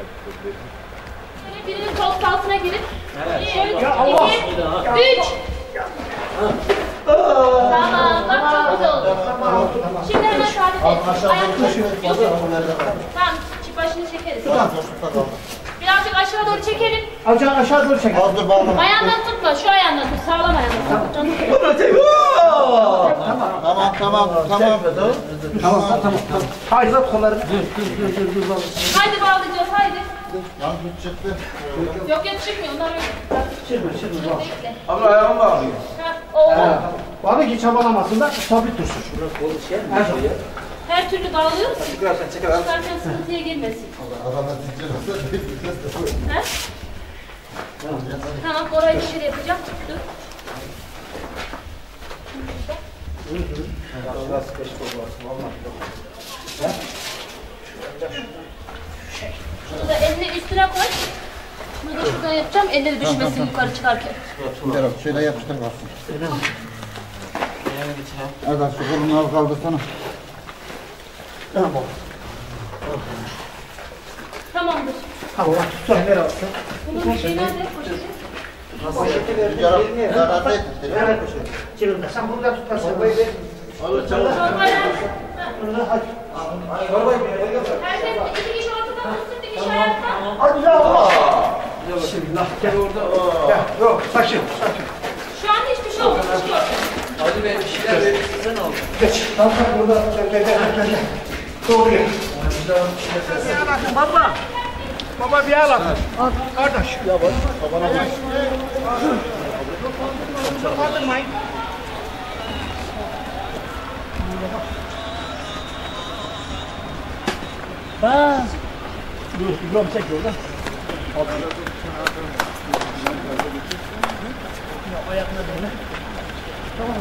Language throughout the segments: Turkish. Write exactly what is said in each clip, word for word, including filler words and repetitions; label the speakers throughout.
Speaker 1: Şöyle birinin koltuk altına girip.
Speaker 2: Evet.
Speaker 1: Şöyle
Speaker 2: Ya Allah.
Speaker 1: iki, üç. Tamam, bak çok güzel oldu. Şimdi hemen sabit et. Ayakları. Tamam, çift başını çekeriz. Birazcık aşağı doğru çekelim.
Speaker 3: Aşağı aşağı doğru çekelim.
Speaker 4: Aldır bağlama.
Speaker 1: Ayağından tutma, şu ayağından tut. Sağlam ayağından tut.
Speaker 4: Tamam tamam tamam.
Speaker 3: Tamam tamam tamam. Haydi lan kollarını.
Speaker 1: Haydi bağlayacağız, haydi.
Speaker 4: Yanlış çıktı.
Speaker 1: Yok yok çıkmıyor, onlar öyle.
Speaker 3: Çıkma çıkma.
Speaker 1: Bekle.
Speaker 2: Abi ayağımı bağlıyor.
Speaker 1: Ha, o.
Speaker 3: Bana ki çabalamasın da sabit dursun.
Speaker 1: Her türlü bağlıyoruz.
Speaker 2: Çıkarsan çeker abi.
Speaker 1: Çıkarken sıkıntıya girmesin.
Speaker 4: Arada titriyorsa
Speaker 1: He? Tamam, orayı dışarı yapacağım. Dur. Şunu da elini üstüne koy. Şunu da şuradan yapacağım, elleri düşmesin yukarı çıkarken.
Speaker 4: şöyle yapıştır kalsın. Erdal şu kolunu al kaldırsana.
Speaker 3: Tamam.
Speaker 1: Tamamdır.
Speaker 3: Tamam tut sen nereye alsın?
Speaker 1: Bunun şey nerede? Poşeti.
Speaker 4: Yarar yarar değil.
Speaker 3: Nereye koşuyorsun? Cebimde. Sen burada tut. Çorbayı ver.
Speaker 1: Çorbayla.
Speaker 3: Burada hadi.
Speaker 1: Herkes iki kişi ortadan tutsun, bir kişi ayakta.
Speaker 3: Hadi ya Allah. Bismillah. Gel orada. Gel. Yok sakin. Sakin.
Speaker 1: Şu an hiçbir şey olmamış.
Speaker 2: Hadi be bir şeyler verirsin sen al.
Speaker 3: Geç. Tamam burada. Gel gel gel gel. gel. Doğru gel. Bir bakın baba. Baba bir al. Al kardeş. Ya bak. Babana bak. Kaldırmayın. Ha. Dur, İbrahim çek oradan. Ayakına böyle. Tamam,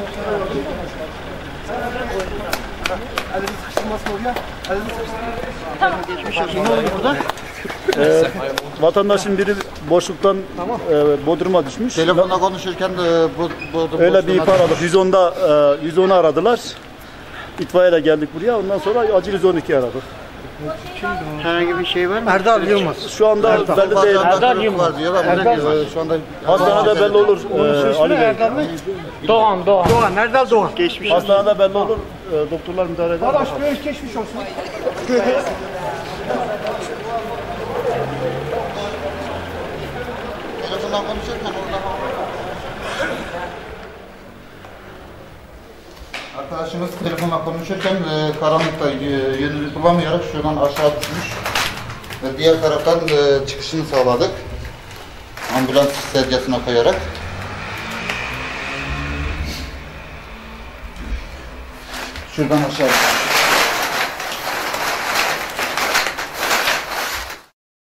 Speaker 3: Elini sıkıştırmasın oraya. Elini sıkıştırmasın.
Speaker 1: Tamam.
Speaker 3: Geçmiş olsun. Ne oluyor burada?
Speaker 5: Ee, vatandaşın biri boşluktan e, Bodrum'a düşmüş.
Speaker 4: Telefonla konuşurken de bu, bu, bu
Speaker 5: Öyle bir ihbar aldık. yüz onda e, yüz onu aradılar. İtfaiyeyle geldik buraya. Ondan sonra acil yüz on iki aradık.
Speaker 3: Herhangi bir şey var mı? Erdal Yılmaz.
Speaker 5: Şu anda belli değil.
Speaker 4: Erdal Yılmaz diyorlar.
Speaker 3: Erdal
Speaker 4: Şu anda
Speaker 5: Hastanede belli olur. E, Ali Bey.
Speaker 3: Erdal mı?
Speaker 6: Doğan, Doğan.
Speaker 3: Doğan, Erdal Doğan. Geçmiş.
Speaker 5: Hastanede belli olur. E, doktorlar müdahale eder.
Speaker 3: Arkadaş böyle geçmiş olsun.
Speaker 4: telefonla konuşurken orada arkadaşımız telefonla konuşurken e, karanlıkta e, yönünü bulamayarak şuradan aşağı düşmüş ve diğer taraftan e, çıkışını sağladık. Ambulans sedyasına koyarak. Şuradan aşağı.